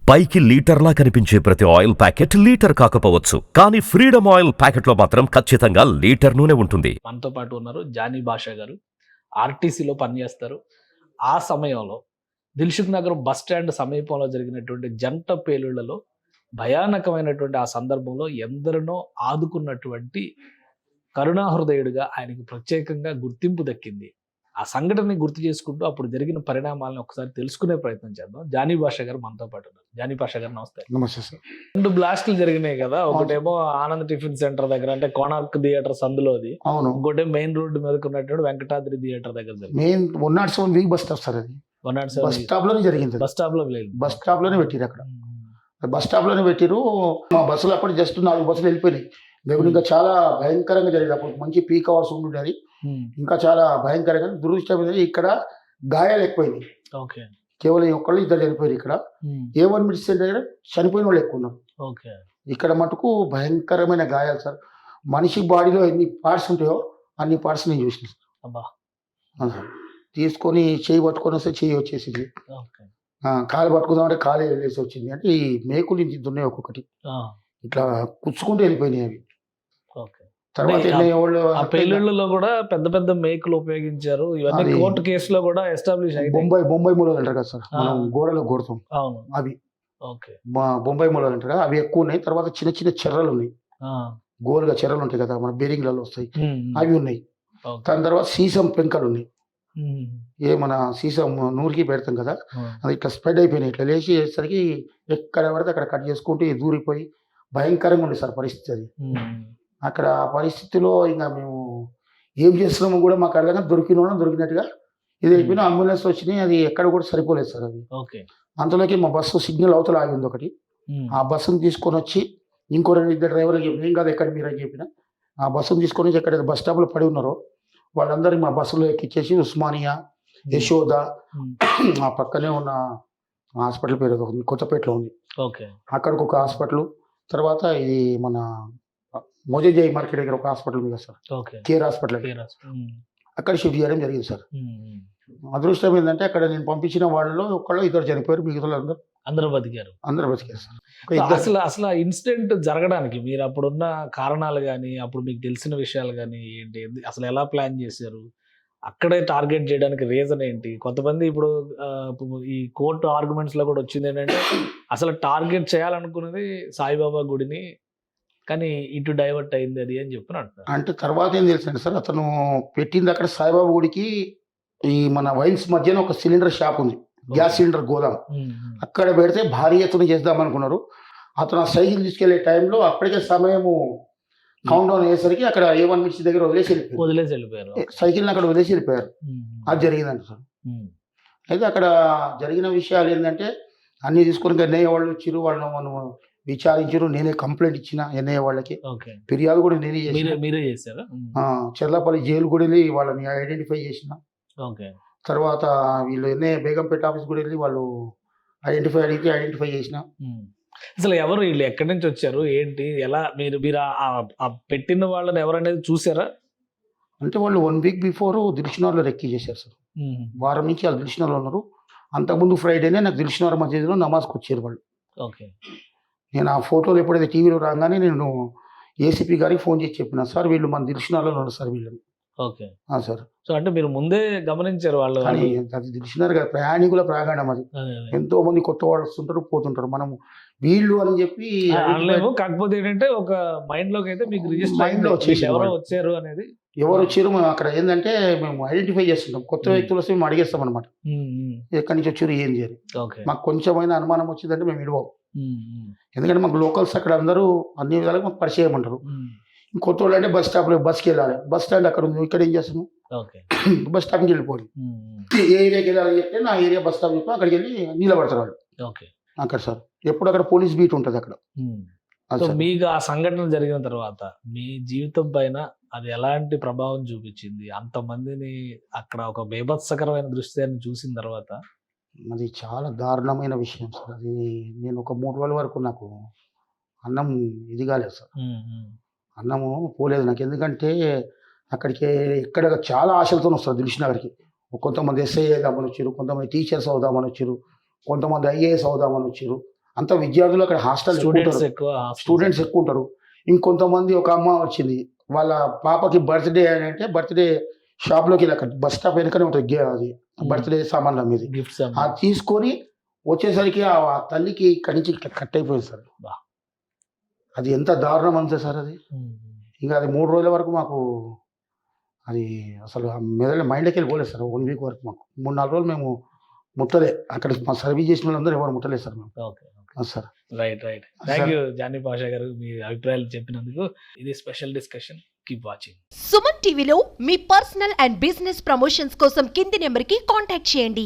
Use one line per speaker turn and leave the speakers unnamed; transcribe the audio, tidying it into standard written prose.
పైకి లీటర్లా కనిపించే ప్రతి ఆయిల్ ప్యాకెట్ లీటర్ కాకపోవచ్చు, కానీ ఫ్రీడమ్ ఆయిల్ ప్యాకెట్లో మాత్రం ఖచ్చితంగా లీటర్ నూనె ఉంటుంది.
మనతో పాటు ఉన్నారు జానీ భాషా గారు. ఆర్టీసీలో పనిచేస్తారు. ఆ సమయంలో దిల్సుఖ్ నగర్ బస్ స్టాండ్ సమీపంలో జరిగినటువంటి జంట పేలుళ్లలో భయానకమైనటువంటి ఆ సందర్భంలో ఎందరినో ఆదుకున్నటువంటి కరుణాహృదయుడిగా ఆయనకి ప్రత్యేకంగా గుర్తింపు దక్కింది. ఆ సంఘటనని గుర్తు చేసుకుంటూ అప్పుడు జరిగిన పరిణామాలను ఒకసారి తెలుసుకునే ప్రయత్నం చేద్దాం. జానీ భాషా గారు మనతో పాటు ఉన్నారు. జానీ భాషా గారు నమస్తే.
నమస్తే సార్.
2 బ్లాస్టులు జరిగినాయి కదా. ఒకటేమో ఆనంద్ టిఫిన్ సెంటర్ దగ్గర, అంటే కోనార్క్ థియేటర్ సందులోది.
అవును.
ఇంకోటి మెయిన్ రోడ్డు మీదకి ఉన్నటువంటి వెంకటాద్రి థియేటర్ దగ్గర జరిగింది.
Main 107 bus stop sir. అది బస్ స్టాప్ లోనే జరిగింది.
బస్ స్టాప్ లో లేదు,
బస్ స్టాప్ లోనే పెట్టిరు. అక్కడ బస్ స్టాప్ లోనే పెట్టిరు. మా బస్సులు అప్పుడు జస్ట్ 4 బస్సులు వెళ్ళిపోయినాయి. లేకపోతే ఇంకా చాలా భయంకరంగా జరిగింది. అప్పుడు మంచి పీక్ అవర్స్ ఉండేది. ఇంకా చాలా భయంకరంగా. దురదృష్టం ఏంటంటే ఇక్కడ గాయాలు ఎక్కువైనాయి.
ఓకే.
కేవలం ఒక్కళ్ళు ఇద్దరు చనిపోయారు. ఇక్కడ A1 మెడిసిన్ దగ్గర చనిపోయిన వాళ్ళు ఎక్కువ ఉన్నారు.
ఓకే.
ఇక్కడ మటుకు భయంకరమైన గాయాలు సార్. మనిషి బాడీలో ఎన్ని పార్ట్స్ ఉంటాయో అన్ని పార్ట్స్ నేను చూసిన సార్.
అబ్బా.
తీసుకొని చేయి పట్టుకొని వస్తే చేయి వచ్చేసింది.
ఓకే.
కాలు పట్టుకుందామంటే కాలు వెళ్ళేసి వచ్చింది. అంటే ఈ మేకులు ఇంత ఉన్నాయి ఒక్కొక్కటి, ఇట్లా కుచ్చుకుంటూ వెళ్ళిపోయినాయి అవి.
ఓకే.
తర్వాత
ఆ పేలుళ్లలో కూడా పెద్ద పెద్ద మేకులు ఉపయోగించారు. ఇవన్నీ కోర్టు కేసులో కూడా ఎస్టాబ్లిష్ అయ్యాయి.
బొంబాయి మూలలు అంటారు కదా సార్, మనం గోడలో కొడతాం.
అవును.
అవి
ఓకే.
బొంబాయి మూలలు అంటారు కదా, అవి ఎక్కువ ఉన్నాయి. తర్వాత చిన్న చిన్న చెర్రలు ఉన్నాయి. గోలుగా చెర్రలు ఉంటాయి కదా, మన బేరింగ్లలో వస్తాయి, అవి ఉన్నాయి. దాని తర్వాత సీసం పెంకలు ఉన్నాయి. మన సీసం నూరికి పెడతాం కదా, అది ఇట్లా స్ప్రెడ్ అయిపోయినాయి. ఇట్లా లేచేసరికి ఎక్కడ పడితే అక్కడ కట్ చేసుకుంటూ దూరిపోయి భయంకరంగా ఉంది సార్ పరిస్థితి. అది అక్కడ ఆ పరిస్థితిలో ఇంకా మేము ఏం చేస్తున్నామో కూడా మాకు అర్థంగా దొరికినట్టుగా ఇది అయిపోయినా అంబులెన్స్ వచ్చినాయి. అది ఎక్కడ కూడా సరిపోలేదు సార్. అది అంతలోకి మా బస్సు సిగ్నల్ అవతల ఆగింది ఒకటి. ఆ బస్సును తీసుకొని వచ్చి ఇంకో 2 డ్రైవర్లు చెప్పిన, ఏం కాదు ఎక్కడ మీరు అని చెప్పిన, ఆ బస్సును తీసుకొని వచ్చి ఎక్కడ బస్ స్టాప్లో పడి ఉన్నారో వాళ్ళందరూ మా బస్సులో ఎక్కిచ్చేసి ఉస్మానియా, యశోద, ఆ పక్కనే ఉన్న హాస్పిటల్ పేరు కొత్తపేటలో ఉంది, అక్కడికి ఒక హాస్పిటల్, తర్వాత ఇది మన మోజేజీ మార్కెట్ దగ్గర ఒక హాస్పిటల్ ఉంది కదా సార్, కేర్ హాస్పిటల్, అక్కడ షిఫ్ట్ చేయడం జరిగింది సార్. అదృష్టం ఏంటంటే అక్కడ నేను పంపించిన వాళ్ళలో ఒక్కళ్ళు ఇద్దరు చనిపోయారు, మిగతా
అందరూ బతికారు.
సార్.
అసలు ఇన్సిడెంట్ జరగడానికి మీరు అప్పుడున్న కారణాలు కానీ, అప్పుడు మీకు తెలిసిన విషయాలు కానీ ఏంటి, అసలు ఎలా ప్లాన్ చేశారు, అక్కడే టార్గెట్ చేయడానికి రీజన్ ఏంటి? కొంతమంది ఇప్పుడు ఈ కోర్టు ఆర్గ్యుమెంట్స్ లో కూడా వచ్చింది ఏంటంటే అసలు టార్గెట్ చేయాలనుకున్నది సాయిబాబా గుడిని, కానీ ఇటు డైవర్ట్ అయింది అది అని చెప్పి అంటున్నారు.
అంటే తర్వాత ఏం తెలుసండి సార్, అతను పెట్టింది అక్కడ సాయిబాబా గుడికి ఈ మన వైన్స్ మధ్యన ఒక సిలిండర్ షాప్ ఉంది, గ్యాస్ సిలిండర్ గోదాం, అక్కడ పెడితే భారీ ఎత్తున చేద్దాం అనుకున్నారు. అతను ఆ సైకిల్ తీసుకెళ్లే టైంలో అప్పటికే సమయము కౌంట్ డౌన్ అయ్యేసరికి అక్కడ A1 మెడిసిన్ దగ్గర వదిలేసి వెళ్ళిపోయారు. సైకిల్ని అక్కడ వదిలేసి వెళ్ళిపోయారు. అది జరిగిందంట సార్. అయితే అక్కడ జరిగిన విషయాలు ఏంటంటే అన్ని తీసుకొని ఎన్ఐఏ వాళ్ళు వచ్చారు, వాళ్ళని మనం విచారించారు. నేనే కంప్లైంట్ ఇచ్చిన ఎన్ఐఏ వాళ్ళకి, ఫిర్యాదు కూడా నేనే
చేశాను.
చెర్లపల్లి జైలు కూడా వెళ్ళి వాళ్ళని ఐడెంటిఫై చేసిన. తర్వాత వీళ్ళు ఎన్ఐఏ బేగంపేట ఆఫీస్ కూడా వెళ్ళి వాళ్ళు ఐడెంటిఫై చేసిన.
అసలు ఎవరు వీళ్ళు, ఎక్కడి నుంచి వచ్చారు, ఏంటి, ఎలా, మీరు పెట్టిన వాళ్ళని ఎవరనేది చూసారా?
అంటే వాళ్ళు 1 వీక్ బిఫోర్ దిల్సుఖ్నగర్లో రెక్కీ చేశారు సార్. వారం నుంచి వాళ్ళు దిల్సుఖ్నగర్లో ఉన్నారు. అంతకుముందు ఫ్రైడేనే నాకు దిల్సుఖ్నగర్ మసీదులో నమాజ్కి వచ్చారు వాళ్ళు. నేను ఆ ఫోటోలు ఎప్పుడైతే టీవీలో రాగానే నేను ఏసీపీ గారికి ఫోన్ చేసి చెప్పిన, సార్ వీళ్ళు మన దిల్సుఖ్నగర్లో ఉన్నారు సార్ వీళ్ళని. సార్.
సో అంటే మీరు ముందే గమనించారు వాళ్ళు?
కానీ అది దిల్సుఖ్నగర్ కదా, ప్రయాణికుల ప్రాంగణం అది, ఎంతో మంది కొత్త వాళ్ళు వస్తుంటారు పోతుంటారు. మనం వీళ్ళు అని చెప్పి
కాకపోతే ఏంటంటే ఒక మైండ్ లోకి అయితే మీకు రిజిస్టర్ ఎవరో వచ్చారు అనేది,
ఎవరు వచ్చారు అక్కడ ఏంటంటే మేము ఐడెంటిఫై చేస్తుంటాం. కొత్త వ్యక్తులు వస్తే మేము అడిగేస్తాం అనమాట, ఎక్కడి నుంచి వచ్చారు ఏం చేయాలి. మాకు కొంచెమైనా అనుమానం వచ్చిందంటే మేము ఇడవం, ఎందుకంటే మాకు లోకల్స్ అక్కడ అందరూ అన్ని విధాలుగా మాకు పరిచయం అంటారు. కొత్త వాళ్ళు అంటే బస్ స్టాప్లో బస్కి వెళ్ళాలి, బస్ స్టాండ్ అక్కడ ఉంది, ఇక్కడ ఏం చేస్తాము బస్ స్టాప్కి వెళ్ళిపోవాలి. ఏ ఏరియాకి వెళ్ళాలని చెప్తే నా ఏరియా బస్ స్టాప్ చెప్పి అక్కడికి వెళ్ళి నిలబడతారు వాళ్ళు అక్కడ సార్. ఎప్పుడు అక్కడ పోలీస్ బీట్ ఉంటుంది అక్కడ.
మీకు ఆ సంఘటన జరిగిన తర్వాత మీ జీవితం పైన అది ఎలాంటి ప్రభావం చూపించింది? అంతమందిని అక్కడ ఒక బీభత్సకరమైన దృశ్యాన్ని చూసిన తర్వాత
అది చాలా దారుణమైన విషయం సార్. అది నేను ఒక 3 రోజుల వరకు నాకు అన్నం ఇది కాలేదు సార్, అన్నము పోలేదు నాకు. ఎందుకంటే అక్కడికి ఎక్కడ చాలా ఆశలతో వస్తారు దిల్సుఖ్నగర్కి. కొంతమంది ఎస్ఐ అవుదామని వచ్చారు, కొంతమంది టీచర్స్ అవుదామని వచ్చారు, కొంతమంది IAS అవుదామని వచ్చారు. అంత విద్యార్థులు అక్కడ హాస్టల్
స్టూడెంట్స్ ఎక్కువ
స్టూడెంట్స్ ఎక్కువ ఉంటారు. ఇంకొంతమంది ఒక అమ్మ వచ్చింది, వాళ్ళ పాపకి బర్త్డే అని అంటే బర్త్డే షాప్లోకి వెళ్ళి అక్కడ బస్ స్టాప్ వెనుకనే ఉంటుంది అది బర్త్డే సామాన్లు అమ్మేది.
గిఫ్ట్స్
అది తీసుకొని వచ్చేసరికి ఆ తల్లికి ఇక్కడి నుంచి ఇట్లా కట్ అయిపోయింది సార్.
బా.
అది ఎంత దారుణం అంతే సార్ అది. ఇంకా అది 3 రోజుల వరకు మాకు అది అసలు మైండ్కి వెళ్ళి పోలేదు సార్. 1 వీక్ వరకు మాకు 3-4 రోజులు మేము ముట్టలే. అక్కడ మా సర్వీస్ చేసిన వాళ్ళందరూ ఎవరు ముట్టలేదు సార్ మేము.
Okay
sir
right thank you Johnny Pasha గారు, మీ అభిప్రాయాలు చెప్పినందుకు. ఇది special discussion. Keep watching.
Suman టీవీలో మీ పర్సనల్ అండ్ బిజినెస్ ప్రమోషన్స్ కోసం కింది నెంబర్కి కాంటాక్ట్ చేయండి.